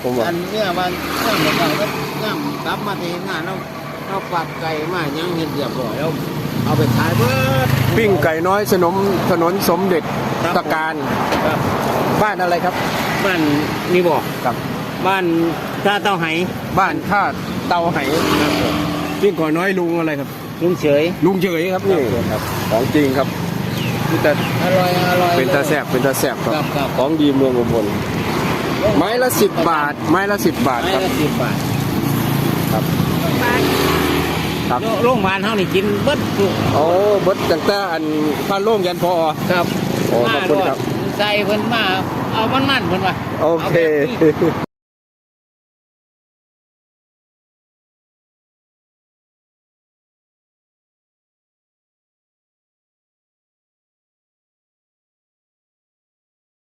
ผมว่าอันเนี้ยว่าย่างเราก็ย่างกลับมาที่งานเราปักไก่มายังเห็นเรียบร้อยแล้วเอาไปขายเบิดปิ้งไก่น้อยถนนสมเด็จครับตะการครับบ้านอะไรครับบ้านนี่บอกครับบ้านท่าเต้าไหบ้านท่าเตาไหครับผมปิ้งก่อน้อยลุงอะไรครับลุงเฉยลุงเฉยครับนี่ครับของจริงครับนี่แต่อร่อยเป็นตาแสบเป็นตาแสบคครัรับบ ครับของดีเมืองอุบลไม้ละ10 บาท ไม้ละ10 บาทไม้ครับละ10 บาทครับครับโรงพยาบาลเท่านี่กินเบิดทุกโอ้เบิดตั้งแต่อันพันโล่งยันพอครับโอ้ขอบคุณครับใส่เพิ่นมาเอามันเพิ่นว่าโอเคาแบบนี้